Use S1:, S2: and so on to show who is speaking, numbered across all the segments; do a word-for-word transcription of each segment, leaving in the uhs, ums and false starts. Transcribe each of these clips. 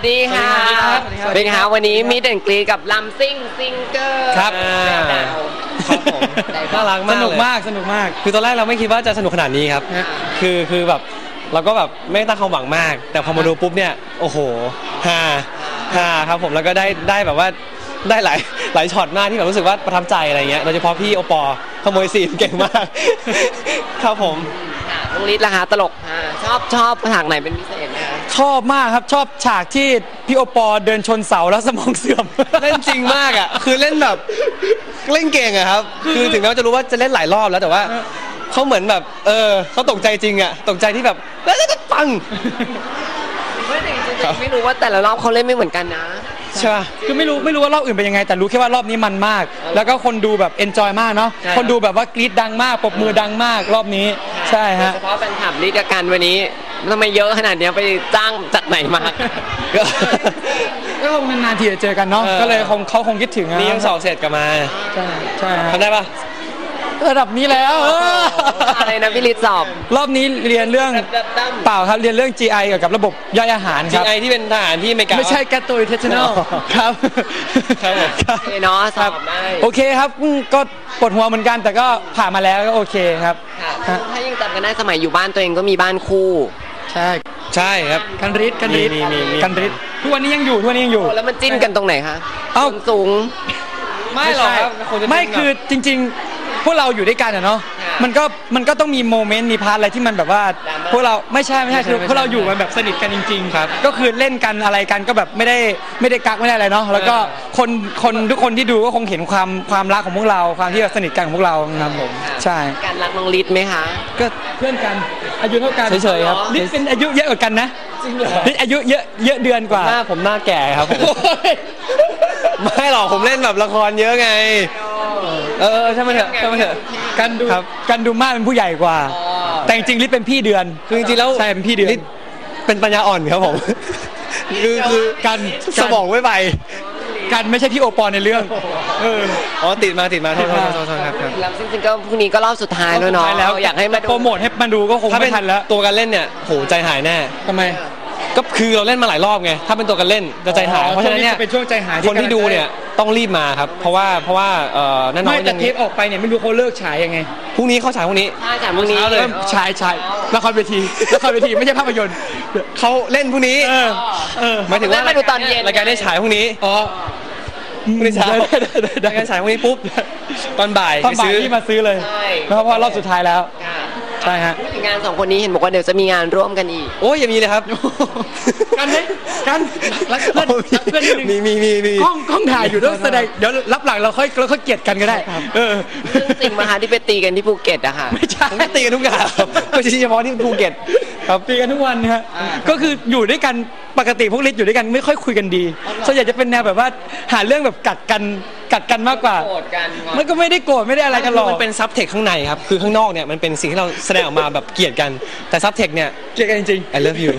S1: ดีค่ะเป็นไงคะวันนี้มีเด่นกรีกับลำซิ่งซิงเกอร์
S2: ครับครับผมน่ารักมากสนุกมากสนุกมากคือตอนแรกเราไม่คิดว่าจะสนุกขนาดนี้ครับคือคือแบบเราก็แบบไม่ตั้งความหวังมากแต่พอมาดูปุ๊บเนี่ยโอ้โหฮ่าฮ่าครับผมแล้วก็ได้ได้แบบว่าได้หลายหลายช็อตมากที่แบบรู้สึกว่าประทับใจอะไรเงี้ยโดยเฉพาะพี่โอปอขโมยซีนเก่งมากครับผม
S1: น้องฤทธิ์ล่ะคะตลกชอบชอบฉากไหนเป็นพิเศษไหมคะ
S3: ชอบมากครับชอบฉากที่พี่โอปอเดินชนเสาแล้วสมองเสื่อม
S2: เล่นจริงมากอ่ะคือเล่นแบบเล่นเก่งอะครับคือถึงแม้ว่าจะรู้ว่าจะเล่นหลายรอบแล้วแต่ว่าเขาเหมือนแบบเออเขาตกใจจริงอ่ะตกใจที่แบบแล้วก็ปัง
S1: ไม่จริงไม่รู้ว่าแต่ละรอบเขาเล่นไม่เหมือนกันนะ
S3: ใช่คือไม่รู้ไม่รู้ว่ารอบอื่นเป็นยังไงแต่รู้แค่ว่ารอบนี้มันมากแล้วก็คนดูแบบเอนจอยมากเนาะคนดูแบบว่ากรี๊ดดังมากปรบมือดังมากรอบนี้ใช่ฮะ
S1: เฉพาะแฟนคลับฤทธิ์กันวันนี้ทำไมเยอะขนาดนี้ไปจ้างจากไหนมา
S3: ก็คงนานๆทีจะเจอกันเนาะก็เลยคงเขาคงคิดถึง
S2: นี่ยังสอบเสร็จกลับมา
S3: ใช่ใช่
S2: ทำได้ปะ
S3: ระดับนี้แล้ว
S1: อะไรนะพี่ฤทธิ์สอบ
S3: รอบนี้เรียนเรื่องเปล่าครับเรียนเรื่อง จี ไอ เกี่ยวกับระบบย่อยอาหารครับ
S2: จี ไอ ที่เป็นทหารที่อเมริกา
S3: ไม่ใช่ gastrointestinal ครับ
S1: ครับโอเคเนาะสอบได้
S3: โอเคครับก็ปวดหัวเหมือนกันแต่ก็ผ่านมาแล้วก็โอเคครับ
S1: ถ้ายังจำกันได้สมัยอยู่บ้านตัวเองก็มีบ้านคู่
S3: ใช่
S2: ใช่ครับ
S3: กันฤทธิ์กันฤทธิ์กันฤทธิ์ทุกวันนี้ยังอยู่ทุกวันนี้ยังอยู่
S1: แล้วมันจิ้นกันตรงไหนคะเอ้าสูง
S3: ไม่หรอกครับไม่คือจริงๆพวกเราอยู่ด้วยกันอะเนาะมันก็มันก็ต้องมีโมเมนต์มีพาร์ทอะไรที่มันแบบว่าพวกเราไม่ใช่ไม่ใช่คือพวกเราอยู่กันแบบสนิทกันจริงๆครับก็คือเล่นกันอะไรกันก็แบบไม่ได้ไม่ได้กักไม่ได้อะไรเนาะแล้วก็คนคนทุกคนที่ดูก็คงเห็นความความรักของพวกเราความที่สนิทกันของพวกเราครับผมใช่
S1: การรักน้องฤทธิ์ไหมคะ
S3: ก็เพื่อนกันอายุเท่ากัน
S2: เฉยๆครับ
S3: ฤทธิ์เป็นอายุเยอะกว่ากันนะฤทธิ์อายุเยอะเยอะเดือนกว่า
S2: หน้าผมหน้าแก่ครับผมไม่หรอกผมเล่นแบบละครเยอะไงเออใช่ไหมเถอะใช่ไหมเถอะ
S3: กันดูกันดูมากเป็นผู้ใหญ่กว่าแต่จริงๆฤทธิ์เป็นพี่เดือน
S2: คือจริงๆแล้ว
S3: ใช่เป็นพี่เดือน
S2: เป็นปัญญาอ่อนครับผมคือคือ
S3: กัน
S2: สมองไม่ไป
S3: กันไม่ใช่พี่โอปอในเรื่องเออ
S2: อ๋อติดมาติดมาโทษโทษโทษครับ
S1: แล้วจริงๆก็พรุ่งนี้ก็รอบสุดท้ายแล้วเนาะอยากให้มา
S3: โปรโมทให้มาดูก็คงไม่ทันแล้ว
S2: ตัวการเล่นเนี่ยโหใจหายแน่
S3: ทำไม
S2: ก็คือเราเล่นมาหลายรอบไงถ้าเป็นตัวกันเล่นจะใจหายเพราะฉะนั้นเนี่ย
S3: เป็นช่วงใจหาย
S2: คนที่ดูเนี่ยต้องรีบมาครับเพราะว่าเพราะว่าเอ่อนั่นน้อง
S3: ยังเทปออกไปเนี่ยไม่รู้เขาเลิกฉายยังไง
S2: พรุ่งนี้เขาฉายพรุ่งนี้
S1: ใช่ฉายพรุ่งนี้
S3: เลยฉายฉายละครเวทีละครเวทีไม่ใช่ภาพยนตร์
S2: เขาเล่นพรุ่งนี้
S3: เออเออ
S2: หมายถึงว่า
S1: มาดูตอนเย็น
S2: รายการได้ฉายพรุ่งนี้
S3: อ๋อ
S2: พรุ่งนี้เช้ารายการฉายพรุ่งนี้ปุ๊บตอนบ่าย
S3: ไปซื้อที่มาซื้อเลยเพราะว่ารอบสุดท้ายแล้วใช่ฮะ
S1: งานสองคนนี้เห็นบอกว่าเดี๋ยวจะมีงานร่วมกันอีก
S2: โอ้ยอย่ามีเลยครับ
S3: กันไหมกันรักเพื่อนรักเพื่อนนิดนึง
S2: มีมีมีมี
S3: กล้องกล้องถ่ายอยู่ต้องแสดงเดี๋ยวรับหลังเราค่อยเราค่อยเกลียดกันก็ได้เออ
S1: จริงมาฮะที่ไปตีกันที่ภูเก็ตอะค่ะ
S3: ไม่ใช่
S2: ไม่ตีกันทุกอย่างไม่ใช่เฉพาะที่ภูเก็ต
S3: ครับตีกันทุกวันนะฮะก็คืออยู่ด้วยกันปกติพวกฤทธิ์อยู่ด้วยกันไม่ค่อยคุยกันดีส่วนใหญ่จะเป็นแนวแบบว่าหาเรื่องแบบกัดกันกัดกันมากกว่ามันก็ไม่ได้โกรธไม่ได้อะไรกันหรอก
S2: มันเป็นซับเทคข้างในครับคือข้างนอกเนี่ยมันเป็นสิ่งที่เราแสดงออกมาแบบเกลียดกันแต่ซับเทคเนี่ย
S3: เกลียดกันจริง
S2: ๆ I love you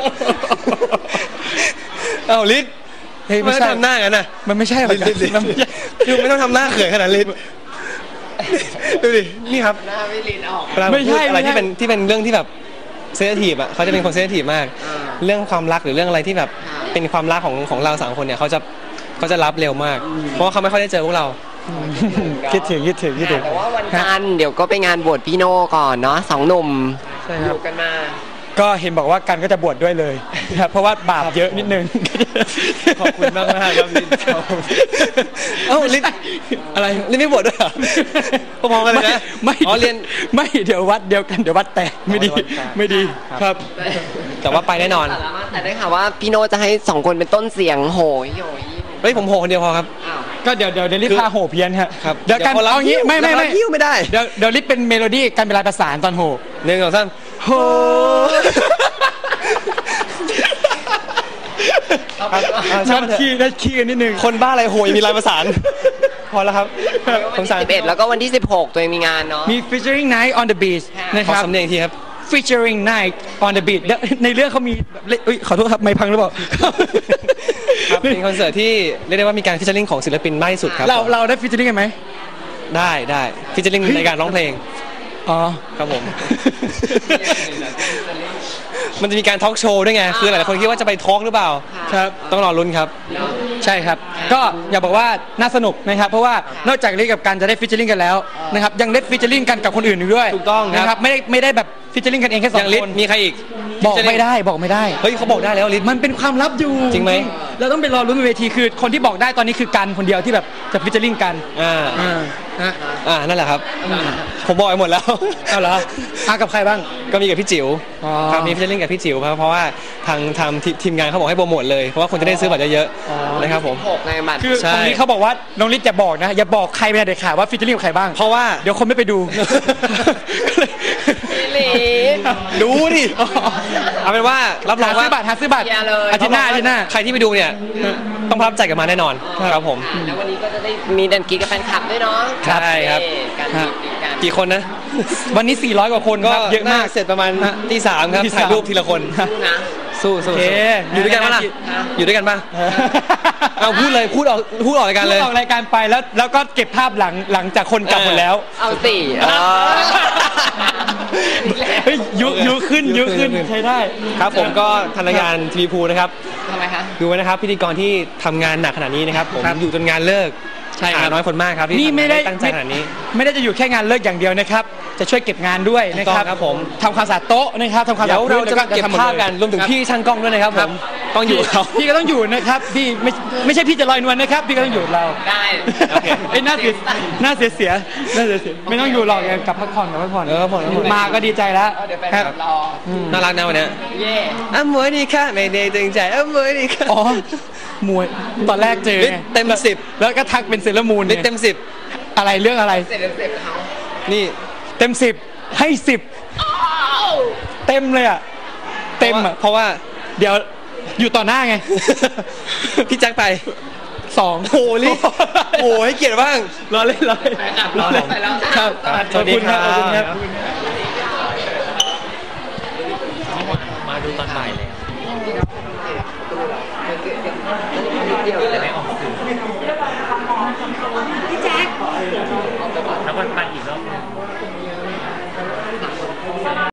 S2: เอ้าฤทธิ์ไม่ต้องทำหน้ากันนะ
S3: มันไม่ใช่หรอก
S2: คือไม่ต้องทำหน้าเขินขนาดฤทธิ์ดูดินี่ครับ
S1: หน้าไม่ฤทธิ์ออก
S2: ไม่ใช่อะไรที่เป็นที่เป็นเรื่องที่แบบเซนซิทีฟอ่ะเขาจะเป็นคนเซนซิทีฟมากเรื่องความรักหรือเรื่องอะไรที่แบบเป็นความรักของของเราสามคนเนี่ยเขาจะเขาจะรับเร็วมากเพราะว่าเขาไม่ค่อยได้เจอพวกเรา
S3: คิดถึงคิดถึงคิดถึง
S1: แต่ว่าวันจันทร์เดี๋ยวก็ไปงานบวชพี่โน่ก่อนเนาะสองหนุ่มอยู่กันมา
S3: ก็เห็นบอกว่ากันก็จะบวชด้วยเลยครับเพราะว่าบาปเยอะนิดนึง
S2: ขอบคุณมากมากครับลินเอ้าลินอะไรลินไม่บวชด้วยเหรอพอๆกันเลยนะ
S3: ไม่อ๋อเรียนไม่เดี๋ยววัดเดียวกันเดี๋ยววัดแตกไม่ดีไม่ดีครับ
S2: แต่ว่าไปแน่นอน
S1: แต่ได้ข่าวว่าพี่โน่จะให้สองคนเป็นต้นเสียงโหยโหย
S2: เฮ้ยผมโหคนเดียวพอครับ
S3: ก็เดี๋ยวเดี๋ยวเดี๋ยวลิฟพาโหเพี้ยนครับ
S2: เดี๋ยว
S3: กันเอางี้ไม่ไม่ไม่
S2: ไม่ได้
S3: เดี๋ยวเดี๋ยวลิฟเป็นเมโลดี้การเวลาประสานตอนโห
S2: หนึ่งสองสาม
S3: โหนัดขี้นัดขี้กันนิดนึง
S2: คนบ้าอะไรโหยมีลายประสานพอแล้วครับ
S1: วันที่สิบเอ็ดแล้วก็วันที่สิบหกตัวเองมีงานเนาะ
S3: มี featuring night on the beach นะครับ
S2: สำเนียงทีครับ
S3: featuring night on the beach ในเรื่องเขามีขอโทษครับไม่พังหรือเปล่า
S2: เป็นคอนเสิร์ตที่เรียกได้ว่ามีการฟีเจอริ่งของศิลปินมากที่สุดครับ
S3: เราเราได้ฟีเจอริ่งกันไหม
S2: ได้ได้ฟีเจอริ่งในการร้องเพลง
S3: อ๋อ
S2: ครับผม มันจะมีการทอล์กโชว์ด้วยไงคือหลายๆคนคิดว่าจะไปทอล์กหรือเปล่า
S3: ครับ
S2: ต้องรอลุ้นครับ
S3: ใช่ครับ ก็อยากบอกว่าน่าสนุกนะครับเพราะว่านอกจากเล่นกับการจะได้ฟิชเชอร์ลิงกันแล้วนะครับยังได้ฟิชเชอร์ลิงกันกับคนอื่นอีกด้วย
S2: ถูกต้องครับ
S3: นะครับไม่ได้ไม่ได้แบบฟิชเชอร์ลิงกันเองแค่สอ
S2: อง ย่างลิศ
S3: คน
S2: มีใครอีก
S3: บอกไม่ได้บอกไม่ได้
S2: เฮ้ยเขาบอกได้แล้วลิศ
S3: มันเป็นความลับอยู่
S2: จริงไหม
S3: เราต้องไปรอรุ้นบนเวทีคือคนที่บอกได้ตอนนี้คือกันคนเดียวที่แบบจะฟิชเชอร์ลิงกัน
S2: อ่า
S3: อ่าฮะ
S2: อ่านั่นแหละครับ ผมบอกไปหมดแล้ว
S3: เอาเหรออากับใครบ้าง
S2: ก็มีกับพี่จิ๋ว
S3: อ๋อ
S2: ครับมีพี่จะเล่นกับพี่จิ๋วครับเพราะว่าทางทางทีทีมงานเขาบอกให้โปรโมทเลยเพราะว่าคนจะได้ซื้อบัตรเยอะ
S3: อ๋อ
S2: ๆนะครับผม
S1: หกไงบัตร
S3: คือ
S2: ใช่
S3: ตรงนี้เขาบอกว่าน้องลิศอย่าบอกนะอย่าบอกใครไม่ได้เด็ดขาดว่าฟิชเชอร์ลิงกับใครบ้าง
S2: เพราะว่า
S3: เดี๋ยวคนไม่ไปดู
S1: พี่หลี
S2: ดูดิเอาเป็นว่ารับรอง
S3: หา
S2: ว่า
S3: ซื้อบัตรหาซื้อบัตร
S1: เคลียร์เลย
S3: อาทิตย์หน้าอาทิตย์หน้า
S2: ใครที่ไปดูเนี่ยต้องประทับใจกับมาแน่นอนครับผม
S1: แล้ววันนี้ก็จะได้มีดันกีกับแฟนคลับด้วยเนาะ
S2: ใช่ครับ
S1: การ
S3: ฮะ
S1: ดีกัน
S2: กี่คนนะ
S3: วันนี้สี่ร้อยกว่าคน
S2: ก็
S3: ครับเยอะมาก
S2: น่เสร็จประมาณตีสามครับ
S3: ตีสาม
S2: ถ่ายรูปทีละคน
S1: นะ
S2: สู้สู้
S3: โอเค
S2: อยู่ด้วยกันปะล่ะ
S3: ฮะ
S2: อยู่ด้วยกันปะเอาพูดเลยพูดออกพูดออกรายการ
S3: พู
S2: เล
S3: ด
S2: ย
S3: ออกรายการไปแล้วแล้วก็เก็บภาพหลังหลังจากคนกลับหมดแล้ว
S1: เอาสิเออ
S3: เฮ้ยยุยุขึ้น
S2: ยุ
S3: ยุ
S2: ขึ้
S3: ขึ้
S2: น
S3: นใช้ได้
S2: ครับผมก็ทางรายการทีวีพูนะครับ
S1: ทำไมคะ
S2: ดูไว้นะครับพิธีกรที่ทำงานหนักขนาดนี้นะครับผม
S3: ครับ
S2: อยู่จนงานเลิก
S3: ใช่ครับ
S2: หาน้อยคนมากครับที่
S3: นี่
S2: ทำงา
S3: ไม่ได้
S2: ตั้งใจขนาดนี้
S3: ไม่ได้จะอยู่แค่งานเลิกอย่างเดียวนะครับ จะช่วยเก็บงานด้วยนะครับ
S2: ถูกต้องครับผม
S3: ทำความสะอาดโต๊ะนะครับทำความสะ
S2: เดี๋
S3: อา
S2: ยว
S3: ด
S2: เรา
S3: พื้น
S2: จะมาเก็บ
S3: แล้วทำหด
S2: ภาพ
S3: เลย
S2: กันรวมถึง
S3: คบ
S2: พี่ช่างกล้องด้วยนะครับผมต้องอยู่กับเขา
S3: พี่พี่ก็ต้องอยู่นะครับพี่ไม่ไม่ใช่พี่จะลอยนวลนะครับ พี่ก็ต้องอยู่กับเรา
S1: ได้
S2: โอเค
S3: ไอ้ยหน้าเสียหน้าเสียเสียหน้าเสียเสียไม่ต้องอยู่หรอกกลับพักผ่อนกลับพักผ่อน
S2: เออพักผ่อนพักผ่อน
S3: มาก็ดีใจแล้ว
S1: เดี๋ยวแฟน
S3: ค
S1: ค
S3: รั
S1: ลั
S3: บบ
S1: รอ
S2: น่ารักนะวันเนี้ย
S1: เย่
S2: อ้ามวยดีค่ะไม่ได้ตึงใจอ้ามวยดีค่ะ
S3: อ๋อมวยตอนแรกเจอ
S2: ลิศ
S3: ไง
S2: เต็มสิบ
S3: แล้วก็ทักเป็นเซเลอร์มูน
S2: ลิศเต็มสิบ
S3: อะไรเรื่องอะไร
S1: เสร็จแล้วเสร็จเขา
S2: นี่
S3: เต็มสิบให้สิบเต็มเลยอ่ะเต็มอ่ะ
S2: เพราะว่า
S3: เดี๋ยวอยู่ต่อหน้าไง
S2: พี่แจ็คไป
S3: สอง
S2: โอ้โหลิศโอ้โหให้เกียรติบ้าง
S3: รอเล่นรอเล่น
S1: แฟนคลับรอเลยไปแล้ว
S3: ครับ
S2: สวัสดีครับ
S3: ขอบคุณครับ